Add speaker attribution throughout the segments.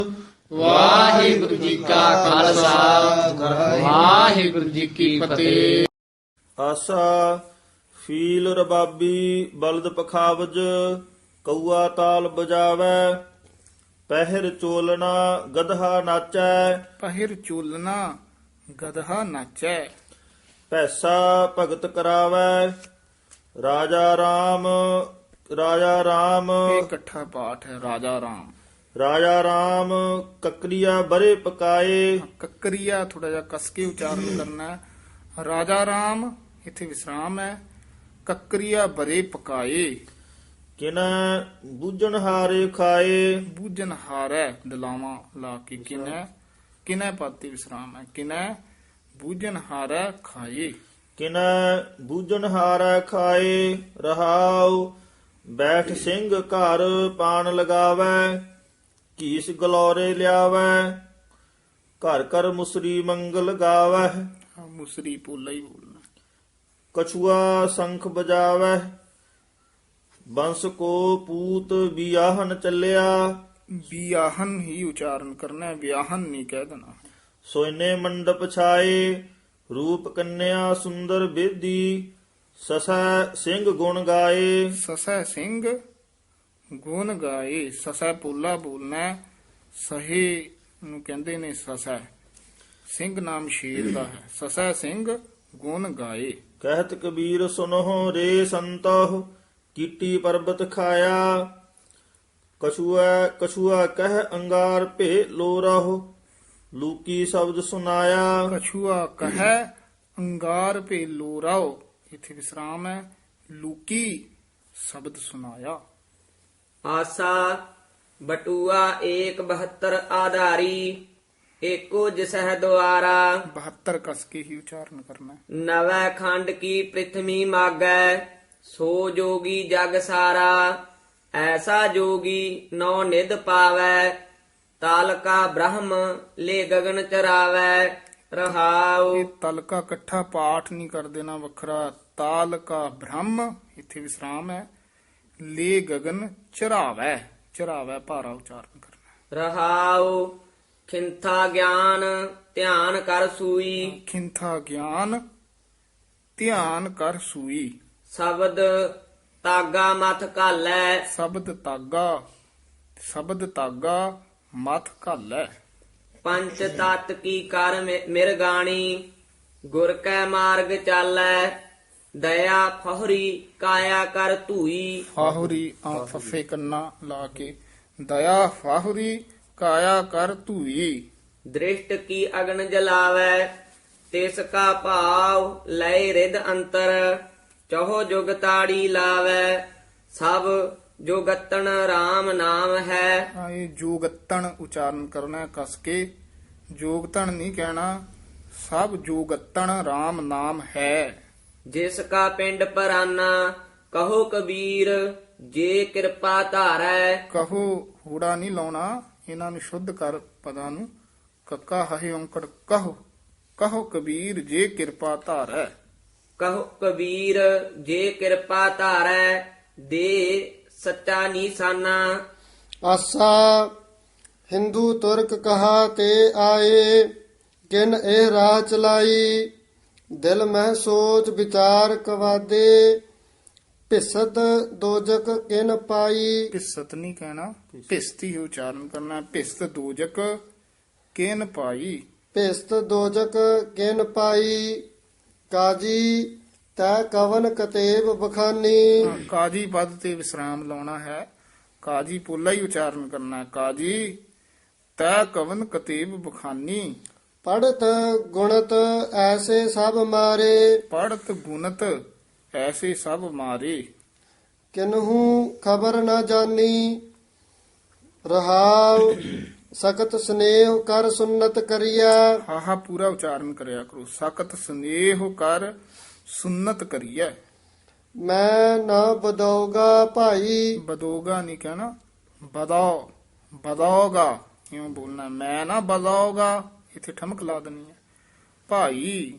Speaker 1: ਵਾਹਿਗੁਰੂ ਜੀ ਕਾ ਖਾਲਸਾ ਵਾਹਿਗੁਰੂ ਜੀ ਕੀ ਫਤਿਹ।
Speaker 2: ਆਸਾ ਫੀਲ ਰਬਾਬੀ ਬਲਦ ਪਖਾਵਜ ਕਊਆ ਤਾਲ ਬਜਾਵੈ ਪਹਿਰ ਚੋਲਣਾ ਗਧਾ ਨਾਚੈ
Speaker 3: ਪਹਿਰ ਚੋਲਨਾ ਗਧਾ ਨਾਚੈ
Speaker 2: ਪੈਸਾ ਭਗਤ ਕਰਾਵੈ ਰਾਜਾ ਰਾਮ
Speaker 3: ਇਹ ਇਕੱਠਾ ਪਾਠ ਹੈ। ਰਾਜਾ ਰਾਮ ਕਕਰੀਆ ਬਰੇ ਪਕਾਏ ਕੱਕਰੀਆ ਥੋੜਾ ਜਿਹਾ ਕਸ ਕੇ ਉਚਾਰਨ ਕਰਨਾ ਹੈ। ਰਾਜਾ ਰਾਮ ਇੱਥੇ ਵਿਸਰਾਮ ਹੈ। ਕੱਕਰੀਆ ਬਰੇ ਪਕਾਏ
Speaker 2: ਕਿਨੈ ਬੂਝਣ ਹਾਰੇ ਖਾਏ
Speaker 3: ਬੂਝਨ ਹਾਰੈ ਦਲਾਵਾਂ ਲਾ ਕੇ ਕਿਨੈ ਪਾਤੀ ਵਿਸਰਾਮ ਹੈ। ਕਿਨੈ ਬੂਝਨ ਹਾਰੈ ਖਾਏ
Speaker 2: ਕਿਨੈ ਬੂਝਣ ਹਾਰੈ ਖਾਏ ਰਹਾਉ ਬੈਠ ਸਿੰਘ ਘਰ ਪਾਣ ਲਗਾਵੈ ਕੀਸ ਗਲੋਰੇ ਲਿਆਵੈ ਘਰ ਘਰ ਮੁਸਰੀ ਮੰਗਲ ਗਾਵੈ
Speaker 3: ਮੁਸਰੀ ਪੋਲਾ ਹੀ ਬੋਲਣਾ।
Speaker 2: ਕਛੂਆ ਸੰਖ ਬਜਾਵੈ ਬੰਸ ਕੋ ਪੂਤ ਬਿਆਹਨ ਚੱਲਿਆ
Speaker 3: ਵਿਆਹਨ ਹੀ ਉਚਾਰਨ ਕਰਨਾ ਹੈ, ਵਿਆਹਨ ਨਹੀਂ ਕਹਿ ਦੇਣਾ।
Speaker 2: ਸੋਇਨੇ ਮੰਡਪ ਛਾਏ ਰੂਪ ਕੰਨਿਆ ਸੁੰਦਰ ਬੇਦੀ ਸਸੈ ਸਿੰਘ ਗੁਣ ਗਾਏ
Speaker 3: ਸਸੈ ਸਿੰਘ ਗੁਣ ਗਾਏ ਸਸੈ ਪੋਲਾ ਬੋਲਣਾ ਹੈ। ਸਹੇ ਨੂੰ ਕਹਿੰਦੇ ਨੇ ਸਸੈ। ਸਿੰਘ ਨਾਮ ਸ਼ੇਰ ਦਾ ਹੈ। ਸਸੈ ਸਿੰਘ ਗੁਣ ਗਾਏ
Speaker 2: ਕਹਿਤ ਕਬੀਰ ਸੁਨਹੁ ਰੇ ਸੰਤਹੁ ਕੀਟੀ ਪਰਬਤ ਖਾਇਆ ਕਛੂਆ ਕਹਿ ਅੰਗਾਰ ਭੇ ਲੋ ਰਹੋ ਲੂਕੀ ਸ਼ਬਦ ਸੁਨਾਇਆ
Speaker 3: ਕਛੂਆ ਕਹੈ ਅੰਗਾਰ ਭੇ ਲੋਰਾਓ ਇੱਥੇ ਵਿਸਰਾਮ ਹੈ। ਲੂਕੀ ਸ਼ਬਦ ਸੁਨਾਇਆ।
Speaker 1: ਆਸਾ ਬਟੂਆ 172 ਆਧਾਰੀ ਏਕੋ ਜਿਸਹਿ ਦੁਆਰਾ
Speaker 3: 72 ਕਸ ਕੇ ਹੀ ਉਚਾਰਨ ਕਰਨਾ ਹੈ।
Speaker 1: ਨਵੈ ਖੰਡ ਕੀ ਪ੍ਰਿਥਵੀ ਮਾਗੈ ਸੋ ਜੋਗੀ ਜਗ ਸਾਰਾ ਐਸਾ ਜੋਗੀ ਨੌ ਨਿਧ ਪਾਵੈ ਤਾਲਕਾ ਬ੍ਰਹਮ ਲੈ ਗਗਨ ਚਰਾਵੈ ਰਹਾਉ।
Speaker 3: ਇਹ ਤਲਕਾ ਇਕੱਠਾ ਪਾਠ ਨਹੀਂ ਕਰ ਦੇਣਾ, ਵੱਖਰਾ। ਤਾਲ ਕਾ ਬ੍ਰਹਮ ਇੱਥੇ ਵਿਸਰਾਮ ਹੈ। ਲੈ ਗਗਨ ਚਰਾਵੈ ਭਾਰਾ ਉਚਾਰਨ ਕਰਨਾ।
Speaker 1: ਰਹਾਉ ਖਿੰਥਾ ਗਿਆਨ ਧਿਆਨ ਕਰ ਸੂਈ
Speaker 3: ਖਿੰਥਾ ਗਿਆਨ ਧਿਆਨ ਕਰ ਸੂਈ
Speaker 1: ਸ਼ਬਦ ਤਾਗਾ ਮਥ ਘਾਲੈ
Speaker 3: ਸ਼ਬਦ ਤਾਗਾ ਮਥ ਘਾਲੈ
Speaker 1: ਪੰਚ ਤਤ ਕੀ ਕਰ ਮਿਰਗਾਣੀ ਗੁਰ ਕੈ ਮਾਰਗ ਚਾਲੈ ਦਇਆ ਫਹਰੀ ਕਾਇਆ ਕਰ ਧੂਈ
Speaker 3: ਫਾਹੁਰੀ ਫੱਫੇ ਕੰਨਾ ਲਾ ਕੇ ਦਇਆ ਫਾਹੁਰੀ ਕਾਇਆ ਕਰ ਧੂਈ
Speaker 1: ਦ੍ਰਿਸ਼ਟ ਕੀ ਅਗਨ ਜਲਾਵੈ ਤਿਸ ਕਾ ਭਾਵ ਲੈ ਰਿਦ ਅੰਤਰ ਚਹੋ ਜੁਗ ਤਾੜੀ ਲਾਵੈ ਸਭ ਜੋਗਤਨ RAM ਨਾਮ ਹੈ।
Speaker 3: ਇਹ ਜੋਗਤਣ ਉਚਾਰਨ ਕਰਨਾ ਹੈ ਕਸ ਕੇ। ਜੋਗਤਣ ਨਹੀਂ ਕਹਿਣਾ। ਸਭ ਜੋਗਤਣ RAM ਨਾਮ ਹੈ।
Speaker 1: ਜਿਸ ਕਾ ਪਿੰਡ ਪਰਾਨਾ ਕਹੋ ਕਬੀਰ ਜੇ ਕਿਰਪਾ ਧਾਰੈ
Speaker 3: ਕਹੋ ਹੂੜਾ ਨਹੀਂ ਲਾਉਣਾ, ਇਹਨਾਂ ਨੂੰ ਸ਼ੁੱਧ ਕਰ ਪਦਾਂ ਨੂੰ। ਕੱਕਾ ਹਹਿ ਔਂਕੜ ਕਹੋ ਕਬੀਰ ਜੇ ਕਿਰਪਾ ਧਾਰੈ
Speaker 1: ਕਹੋ ਕਬੀਰ ਜੇ ਕਿਰਪਾ ਧਾਰੈ ਦੇ ਸੱਚਾ ਨੀਸਾਨਾ।
Speaker 4: ਆਸਾ ਹਿੰਦੂ ਤੁਰਕ ਕਹਾ ਤੇ ਆਏ ਕਿਨ ਇਹ ਰਾਹ ਚਲਾਈ ਦਿਲ ਮਹਿ ਸੋਚ ਵਿਚਾਰ ਕਵਾਦੇ ਭਿਸਤ ਦੋਜਕ ਕਿਨ ਪਾਈ।
Speaker 3: ਭਿਸਤ ਨਹੀਂ ਕਹਿਣਾ, ਭਿਸਤੀ ਹੀ ਉਚਾਰਨ ਕਰਨਾ ਹੈ। ਭਿਸਤ ਦੋਜਕ ਕਿਨ ਪਾਈ
Speaker 4: ਭਿਸਤ ਦੋਜਕ ਕਿਨ ਪਾਈ ਕਾਜੀ ਤੈ ਕਵਨ ਕਤੇਬ ਬਖਾਨੀ।
Speaker 3: ਕਾਜੀ ਪਦ ਤੇ ਵਿਸਰਾਮ ਲਾਉਣਾ ਹੈ। ਕਾਜੀ ਪੋਲਾ ਹੀ ਉਚਾਰਨ ਕਰਨਾ ਹੈ। ਕਾਜੀ ਤੈ ਕਵਨ ਕਤੇਬ ਬਖਾਨੀ
Speaker 4: ਪੜਤ ਗੁਣਤ ਐਸੇ ਸਭ ਮਾਰੇ
Speaker 3: ਪੜਤ ਗੁਣਤ ਐਸੇ ਸਭ ਮਾਰੇ
Speaker 4: ਕਿਨਹੂ ਖਬਰ ਨਾ ਜਾਨੀ ਰਹਾਉ ਸਖਤ ਸਨੇਹ ਕਰ ਸੁਨਤ ਕਰਿਆ।
Speaker 3: ਹਾਹਾ ਪੂਰਾ ਉਚਾਰਨ ਕਰਿਆ ਕਰੋ। ਸਖਤ ਸਨੇਹ ਕਰ ਸੁਨਤ ਕਰੀਐ।
Speaker 4: ਮੈਂ ਨਾ ਬਦਉਗਾ ਭਾਈ
Speaker 3: ਬਦੋਗਾ ਨਹੀਂ ਕਹਿਣਾ, ਬਦੌਗਾ ਇਉਂ ਬੋਲਣਾ। ਮੈਂ ਨਾ ਬਦੌਗਾ ਇੱਥੇ ਠਮਕ ਲਾ ਦੇਣੀ ਹੈ। ਭਾਈ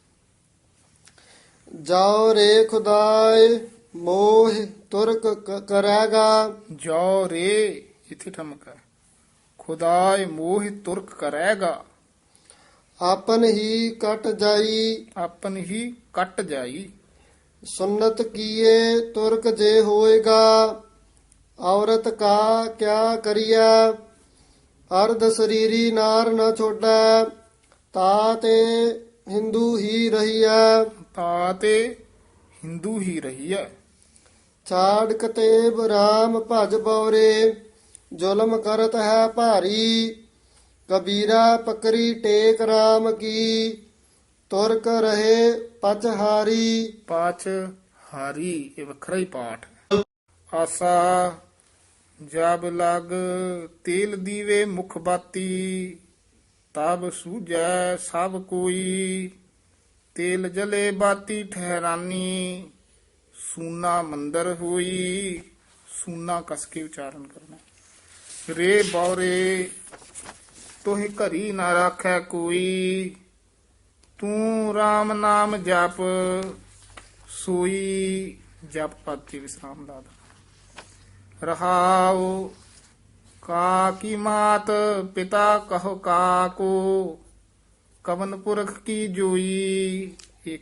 Speaker 4: ਜਾਓ ਰੇ ਖੁਦਾਏ ਮੋਹ ਤੁਰਕ ਕਰੇਗਾ।
Speaker 3: ਜੋ ਰੇ ਇੱਥੇ ਠਮਕ ਹੈ। ਖੁਦਾਏ ਮੋਹ ਤੁਰਕ ਕਰੇਗਾ।
Speaker 4: ਆਪਨ ਹੀ ਕਟ ਜਾਈ
Speaker 3: ਆਪਨ ਹੀ ਕੱਟ ਜਾਈ।
Speaker 4: ਸੁਨਤ ਕੀਏ ਤੁਰਕ ਜੇ ਹੋਏਗਾ। ਔਰਤ ਕਾ ਕਿਆ ਕਰੀਐ। ਅਰਧ ਸਰੀਰੀ ਨਾਰ ਨ ਛੋੜੈ। ਤਾ ਤੇ ਹਿੰਦੂ ਹੀ ਰਹੀਐ।
Speaker 3: ਤਾ ਤੇ ਹਿੰਦੂ ਹੀ ਰਹੀਐ।
Speaker 4: ਛਾੜ ਕਤੇਬ ਰਾਮ ਭਜ ਬਉਰੇ। ਜ਼ੁਲਮ ਕਰਤ ਹੈ ਭਾਰੀ। ਕਬੀਰਾ ਪਕਰੀ ਟੇਕ ਰਾਮ ਕੀ। ਤੁਰਕ ਰਹੇ ਪਚਹਾਰੀ।
Speaker 3: ਪਾਚ ਹਾਰੀ ਇਹ ਵੱਖਰਾ ਹੀ ਪਾਠ। ਆਸਾ ਜਬ ਲਗ ਤੇਲ ਦੀਵੇ ਮੁਖ ਬਾਤੀ। ਤਬ ਸੂਝੈ ਸਭ ਕੋਈ। ਤੇਲ ਜਲੇ ਬਾਤੀ ਠਹਿਰਾਨੀ। ਸੂਨਾ ਮੰਦਰ ਹੋਈ। ਸੂਨਾ ਕਸ ਕੇ ਉਚਾਰਨ ਕਰਨਾ। ਰੇ ਬੌਰੇ ਤੋਹਿ ਘਰੀ ਨਾ ਰਾਖੈ ਕੋਈ। ਤੂੰ RAM ਨਾਮ ਜਪ ਸੋਈ। ਜਪ ਪਦ ਤੇ ਵਿਸਰਾਮ ਲਾ ਦੇਣਾ। ਰਹਾਉ ਕਾ ਕੀ ਮਾਤ ਪਿਤਾ ਕਹੋ ਕਾਕੋ। ਕਵਨ ਪੁਰਖ ਕੀ ਜੋਈ। ਇਹ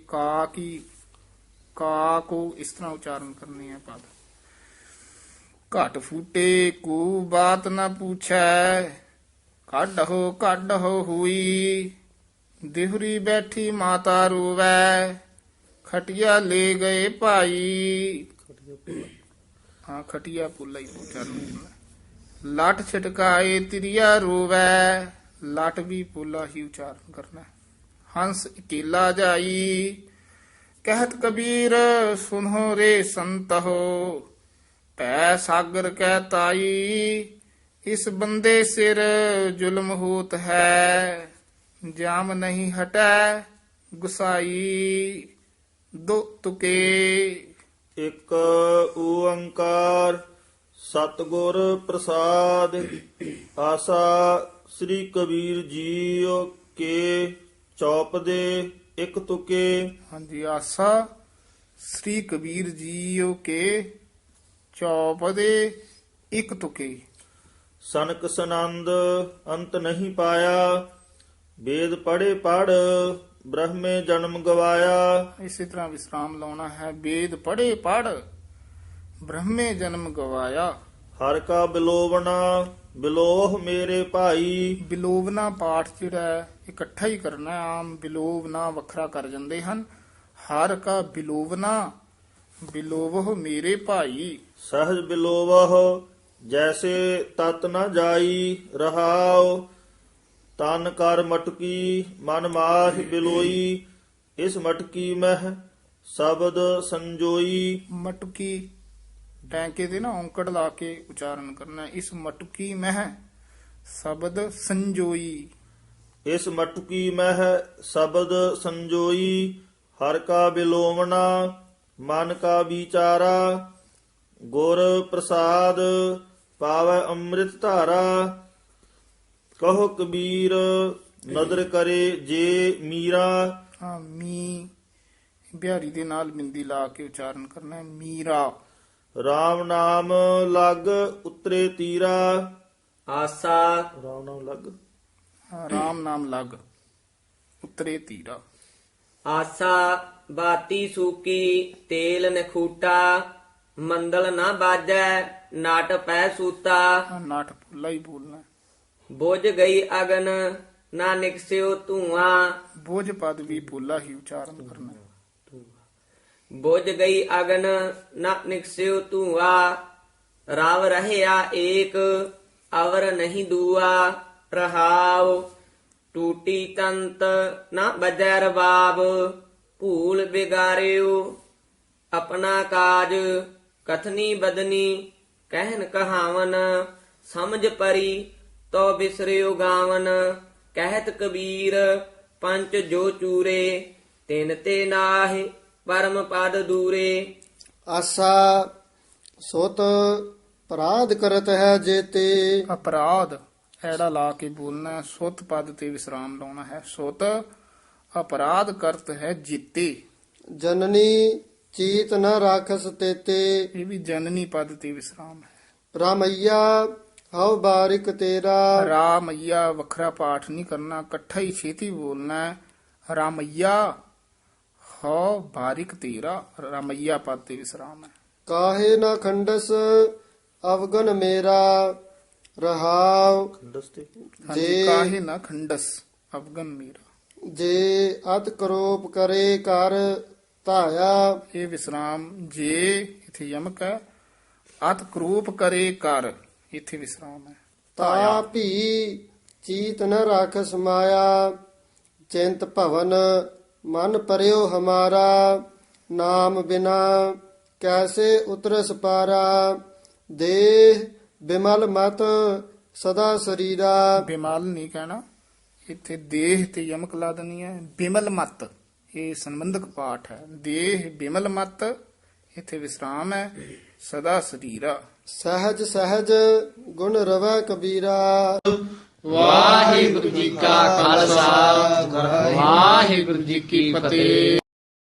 Speaker 3: ਕਾ ਕੋ ਇਸ ਤਰ੍ਹਾਂ ਉਚਾਰਨ ਕਰਨੀ ਹੈ ਪਦ। ਘਟ ਫੂਟੇ ਕੋ ਬਾਤ ਨਾ ਪੁੱਛੈ। ਕੱਢੋ ਹੋਈ। ਦਿਹਰੀ ਬੈਠੀ ਮਾਤਾ ਰੋਵੈ। ਖਟਿਆ ਲੈ ਗਏ ਭਾਈ। ਹਾਂ ਖਟਿਆ ਪੁੱਲਾ ਹੀ ਉਚਾਰਨ ਕਰਨਾ। ਲੱਟ ਛਟਕਾਏ ਤਿਰਿਆ ਰੋਵੈ। ਲੱਟ ਵੀ ਪੁੱਲਾ ਹੀ ਉਚਾਰਨ ਕਰਨਾ। ਹੰਸ ਇਕੇਲਾ ਜਾਈ। ਕਹਿਤ ਕਬੀਰ ਸੁਨੋ ਰੇ ਸੰਤੋ। ਪੈ ਸਾਗਰ ਕਹਿ ਤਾਈ। ਇਸ ਬੰਦੇ ਸਿਰ ਜ਼ੁਲਮ ਹੋਤ ਹੈ। ਜਾਮ ਨਹੀਂ ਹਟੈ ਗੁਸਾਈ। ਦੋ ਤੁਕੇ।
Speaker 2: ਇੱਕ ਓੰਕਾਰ ਸਤਿਗੁਰ ਪ੍ਰਸਾਦ। ਆਸਾ ਸ੍ਰੀ ਕਬੀਰ ਜੀਓ ਕੇ ਚੌਪ ਦੇ ਇੱਕ ਤੁਕੇ।
Speaker 3: ਹਾਂਜੀ ਆਸਾ ਸ੍ਰੀ ਕਬੀਰ ਜੀਓ ਕੇ ਚੌਪ ਦੇ ਇੱਕ ਤੁਕੇ।
Speaker 2: ਸਨਕ ਸਨੰਦ ਅੰਤ ਨਹੀਂ ਪਾਇਆ। ਵੇਦ ਪੜ੍ਹੇ ਪੜ ਬ੍ਰਹਮੇ ਜਨਮ ਗਵਾਇਆ।
Speaker 3: ਇਸੇ ਤਰ੍ਹਾਂ ਵਿਸਰਾਮ ਲਾਉਣਾ ਹੈ। ਵੇਦ ਪੜ੍ਹੇ ਪੜ ਬ੍ਰਹਮੇ ਜਨਮ ਗਵਾਇਆ।
Speaker 2: ਹਰ ਕਾ ਬਿਲੋਵਣਾ ਬਿਲੋਹ ਮੇਰੇ ਭਾਈ।
Speaker 3: ਬਿਲੋਵਨਾ ਪਾਠ ਜਿਹੜਾ ਹੈ, ਇਕੱਠਾ ਹੀ ਕਰਨਾ ਹੈ। ਆਮ ਬਿਲੋਵਨਾ ਵੱਖਰਾ ਕਰ ਜਾਂਦੇ ਹਨ। ਹਰ ਕਾ ਬਿਲੋਵਨਾ ਬਿਲੋਵਹੁ ਮੇਰੇ ਭਾਈ।
Speaker 2: ਸਹਜ ਬਿਲੋਵਹੁ ਜੈਸੇ ਤਤ ਨ ਜਾਈ। ਰਹਾਉ ਤਨ ਕਰ ਮਟਕੀ ਮਨ ਮਾਹਿ ਬਿਲੋਈ। ਇਸ ਮਟਕੀ ਮਹਿ ਸ਼ਬਦ ਸੰਜੋਈ।
Speaker 3: ਮਟਕੀ ਟੈਂਕੇ ਦੇ ਨਾ ਔਂਕੜ ਲਾ ਕੇ ਉਚਾਰਨ ਕਰਨਾ। ਇਸ ਮਟਕੀ ਮਹਿ ਸ਼ਬਦ ਸੰਜੋਈ।
Speaker 2: ਇਸ ਮਟਕੀ ਮਹਿ ਸ਼ਬਦ ਸੰਜੋਈ। ਹਰ ਕਾ ਬਿਲੋਵਣਾ ਮਨ ਕਾ ਵਿਚਾਰਾ। ਗੁਰ ਪ੍ਰਸਾਦ ਪਾਵੈ ਅੰਮ੍ਰਿਤ ਧਾਰਾ। ਕਹੋ ਕਬੀਰ ਨਦਰ ਕਰੇ ਜੇ ਮੀਰਾ।
Speaker 3: ਹਾਂ ਮੀ ਬਿਹਾਰੀ ਦੇ ਨਾਲ ਬਿੰਦੀ ਲਾ ਕੇ ਉਚਾਰਨ ਕਰਨਾ ਹੈ। ਮੀਰਾ।
Speaker 2: RAM ਨਾਮ ਲਗ ਉਤਰੇ ਤੀਰਾ।
Speaker 1: ਆਸਾ
Speaker 2: RAM ਨਾਮ ਲਗ
Speaker 3: ਰਾਮ ਨਾਮ ਲਗ ਉਤਰੇ ਤੀਰਾ।
Speaker 1: ਆਸਾ ਬਾਤੀ ਸੂਕੀ ਤੇਲ ਨਖੂਟਾ। ਮੰਦਲ ਨਾ ਬਾਜੈ ਨਾਟ ਪੈ ਸੂਤਾ।
Speaker 3: ਨਾਟ ਭੁੱਲਾ ਹੀ ਬੋਲਣਾ।
Speaker 1: ਬੁਝ ਗਈ ਅਗਨ ਨਾ ਨਿਕਸਿਓ ਧੂਆਂ।
Speaker 3: ਬੋਝ ਪਦ ਵੀ ਭੁੱਲਾ ਹੀ ਉਚਾਰਨ ਕਰਨਾ।
Speaker 1: ਬੁਝ ਗਈ ਅਗਨ ਨਾ ਨਿਕਸਿਓ ਧੂਆਂ। ਰਵ ਰਹਿਆ ਏਕ ਅਵਰ ਨਹੀਂ ਦੂਆ। ਰਹਾਉ ਟੂਟੀ ਤੰਤ ਨਾ ਬਜੈ ਰਬਾਬ। ਭੂਲ ਬਿਗਾਰਿਓ ਆਪਣਾ ਕਾਜ। ਕਥਨੀ ਬਦਨੀ ਕਹਿਨ ਕਹਾਵਨ। ਸਮਝ ਪਰੀ ਤੋ ਬਿਸਰਿਓ ਗਾਵਨ। ਕਹਿਤ ਕਬੀਰ ਪੰਚ ਜੋ ਚੂਰੇ। ਤਿਨ ਤੇ ਨਾਹਿ ਪਰਮ ਪਦ ਦੂਰੇ।
Speaker 4: ਆਸਾ ਸੁਤ ਅਪਰਾਧ ਕਰਤ ਹੈ ਜੇਤੇ।
Speaker 3: ਅਪਰਾਧ ਐੜਾ ਲਾ ਕੇ ਬੋਲਣਾ ਹੈ। ਸੁਤ ਪਦ ਤੇ ਵਿਸਰਾਮ ਲਾਉਣਾ ਹੈ। ਸੁਤ ਅਪਰਾਧ ਕਰਤ ਹੈ ਜੀਤੇ।
Speaker 4: ਜਨਨੀ ਚੀਤ ਨ ਰਾਖਸ ਤੇਤੇ।
Speaker 3: ਇਹ ਵੀ ਜਨਨੀ ਪਦ ਤੇ ਵਿਸਰਾਮ ਹੈ।
Speaker 4: ਰਾਮਈਆ ਹਉ ਬਾਰਿਕ ਤੇਰਾ।
Speaker 3: ਰਾਮਈਆ ਵੱਖਰਾ ਪਾਠ ਨਹੀਂ ਕਰਨਾ, ਇਕੱਠਾ ਹੀ ਛੇਤੀ ਬੋਲਣਾ ਹੈ। ਰਾਮਈਆ ਹਉ ਬਾਰਿਕ ਤੇਰਾ, ਰਾਮਈਆ ਪਦ ਤੇ ਵਿਸਰਾਮ ਹੈ।
Speaker 4: ਕਾਹੇ ਨਾ ਖੰਡਸ ਅਵਗਨ ਮੇਰਾ ਰਹਾਉ।
Speaker 3: ਹਾਂਜੀ, ਕਾਹੇ ਨਾ ਖੰਡਸ ਅਵਗਨ ਮੇਰਾ।
Speaker 4: ਜੇ ਅਤ ਕਰੋਪ ਕਰੇ ਕਰ ਧਾਇਆ।
Speaker 3: ਇਹ ਵਿਸਰਾਮ ਜੇ ਇਥੇ ਯਮਕ ਹੈ। ਅਤ ਕਰੂਪ ਕਰੇ ਕਰ, ਇਥੇ ਵਿਸਰਾਮ ਹੈ।
Speaker 4: ਤਾ ਭੀ ਚੀਤ ਨ ਰਾਖ ਸਮਾਇਆ। ਚਿੰਤ ਭਵਨ ਮਨ ਪਰਿਓ ਹਮਾਰਾ। ਨਾਮ ਬਿਨਾ ਕੈਸੇ ਉਤਰਸ ਪਾਰਾ। ਦੇਹ ਬਿਮਲ ਮਤ ਸਦਾ ਸਰੀਰਾ।
Speaker 3: ਬਿਮਲ ਨਹੀਂ ਕਹਿਣਾ, ਇੱਥੇ ਦੇਹ ਤੇ ਯਮਕ ਲਾ ਦੇਣੀ ਹੈ। ਬਿਮਲ ਮਤ ਇਹ ਸੰਬੰਧਕ ਪਾਠ ਹੈ। ਦੇਹ ਬਿਮਲ ਮਤ, ਇੱਥੇ ਵਿਸਰਾਮ ਹੈ। ਸਦਾ ਸਰੀਰਾ।
Speaker 4: ਸਹਿਜ ਸਹਿਜ ਗੁਣ ਰਵੈ ਕਬੀਰਾ।
Speaker 3: ਵਾਹਿਗੁਰੂ ਜੀ ਕਾ ਖਾਲਸਾ, ਵਾਹਿਗੁਰੂ ਜੀ ਕੀ ਫਤਿਹ।